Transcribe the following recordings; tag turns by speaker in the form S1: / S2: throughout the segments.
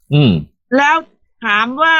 S1: อืม
S2: แล้วถามว่า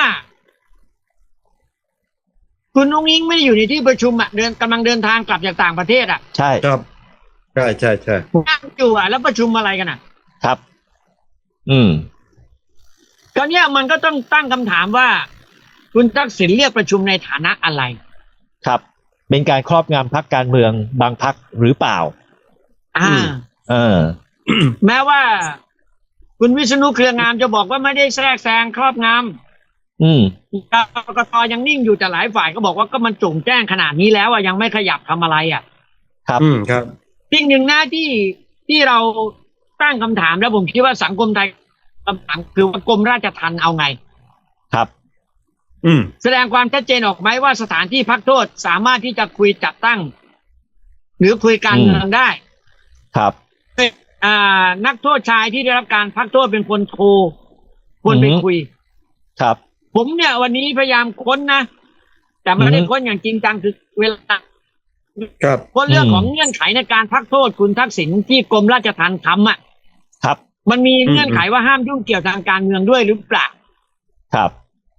S2: คุณนุ้งอิงไม่ได้อยู่ในที่ประชุมอ่ะกำลังเดินทางกลับจากต่างประเทศอ่ะ
S1: ใช่
S3: ครับใช่ใช่ใช่
S2: นั่งอยู่อ่ะแล้วประชุมอะไรกันอ่ะ
S1: ครับอืม
S2: ก็เนี้ยมันก็ต้องตั้งคำถามว่าคุณทักษิณเรียกประชุมในฐานะอะไร
S1: ครับเป็นการครอบงำพรรคการเมืองบางพรรคหรือเปล่า
S2: อ่า
S1: เออ
S2: แม้ว่าคุณวิษณุเครืองามจะบอกว่าไม่ได้แทรกแซงครอบง
S1: อืม
S2: ำกกตยังนิ่งอยู่แต่หลายฝ่ายก็บอกว่าก็มันจงแจ้งขนาดนี้แล้วอ่ะยังไม่ขยับทำอะไรอ่ะ
S1: ครับ
S3: ครับ
S2: สิ่งหนึ่งนะที่เราตั้งคำถามแล้วผมคิดว่าสังคมไทยคำถามคือว่ากรมราชทัณฑ์เอาไง
S1: ครับ
S2: แสดงความชัดเจนออกไหมว่าสถานที่พักโทษสามารถที่จะคุยจัดตั้งหรือคุยการเมืองได้
S1: ครับ
S2: นักโทษชายที่ได้รับการพักโทษเป็นคนโทรคนไปคุย
S1: ครับ
S2: ผมเนี่ยวันนี้พยายามค้นนะแต่ไม่ได้ค้นอย่างจริงจังคือเวลาค้นเรื่องของเงื่อนไขในการพักโทษคุณทักษิณที่กรมราชทัณฑ์ทำอ่ะ
S1: ครับ
S2: มันมีเงื่อนไขว่าห้ามยุ่งเกี่ยวทางการเมืองด้วยหรือเปล่า
S1: ครับ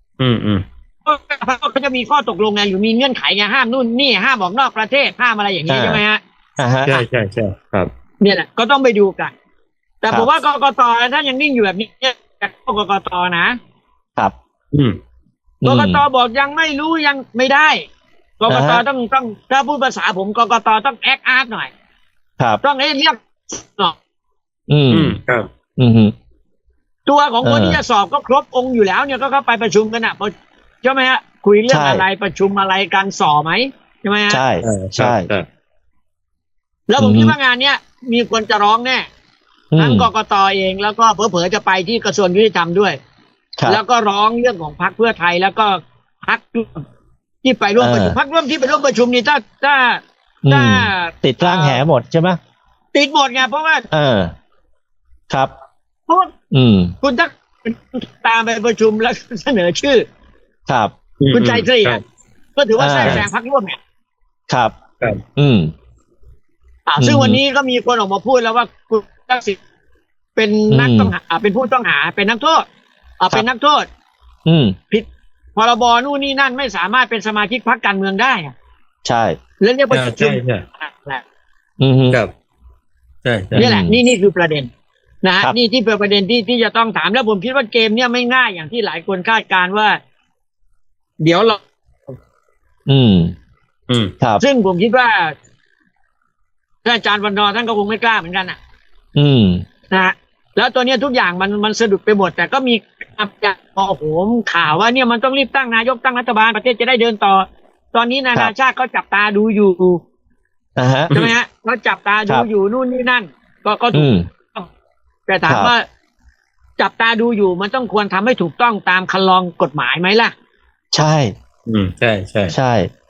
S2: เขาจะมีข้อตกลงไงหรือมีเงื่อนไขไงห้ามนู่นนี่ห้ามออกนอกประเทศห้ามอะไรอย่างนี้ใช่ไหมฮะ
S3: ใช่ใช่ใช่ครับ
S2: เนี่ยแหละก็ต้องไปดูกันแต่ผมว่ากกตถ้ายังนิ่งอยู่แบบนี้จากกกตนะครับกกตบอกยังไม่รู้ยังไม่ได้กกตต้องถ้าพูดภาษาผมกกตต้องแอคอาร์ตหน่อย
S1: ครับ
S2: ต้องให้เรียกหน่อย
S3: ครับ
S2: ตัวของคนที่จะสอบก็ครบองค์อยู่แล้วเนี่ยก็เข้าไปประชุมกันอ่ะใช่ไหมฮะคุยเรื่องอะไรประชุมอะไรกันสอบไหมใช่ไหมฮะ
S1: ใช่ใช่
S2: แล้วผมคิดว่างานเนี้ยมีคนจะร้องแน่ทั้งกกตเองแล้วก็เผลอๆจะไปที่กระทรวงยุติธรรมด้วยแล้วก็ร้องเรื่องของพรรคเพื่อไทยแล้วก็พรรคที่ไปร่วมประชุมพรรคร่วมที่ไปร่วมประชุมนี่ถ้า
S1: ติดร่างแหหมดใช่ไหม
S2: ติดหมดไงเพราะว่า
S1: ครับ
S2: เพราะคุณถ้าตามไปประชุมแล้วเสนอชื่อ
S1: ครับ
S2: คุณชัยศรีก็ถือว่าแทรกแซงพรรคร่วมเนี่ย
S1: ครับ
S2: ซึ่งวันนี้ก็มีคนออกมาพูดแล้วว่าคุณทักษิณเป็นนักต้องหาเป็นผู้ต้องหาเป็นนักโทษเป็นนักโทษผิดพรบนู่นนี่นั่นไม่สามารถเป็นสมาชิกพรรคการเมืองได้
S1: ใช่
S2: แล้วเนี่ยประชุม
S3: ครับใช่
S2: นี่แหละนี่คือประเด็นนะฮะนี่ที่เป็นประเด็นที่จะต้องถามแล้วผมคิดว่าเกมเนี่ยไม่ง่ายอย่างที่หลายคนคาดการณ์ว่าเดี๋ยวเรา
S1: ครับ
S2: ซึ่งผมคิดว่าท่านอาจารย์วันนอร์ท่านก็คงไม่กล้าเหมือนกันนะฮะแล้วตัวนี้ทุกอย่างมันสะดุดไปหมดแต่ก็มีโอ้โหข่าวว่าเนี่ยมันต้องรีบตั้งนายกตั้งรัฐบาลประเทศจะได้เดินต่อตอนนี้นานาชาติเขาจับตาดูอยู่ใช่ไหมฮะเขาจับตาดูอยู่นู่นนี่นั่นก็ถูกแต่ถามว่าจับตาดูอยู่มันต้องควรทำให้ถูกต้องตามคันลองกฎหมายไหมล่ะ
S1: ใช่
S3: ใช่ใช่
S1: ใช่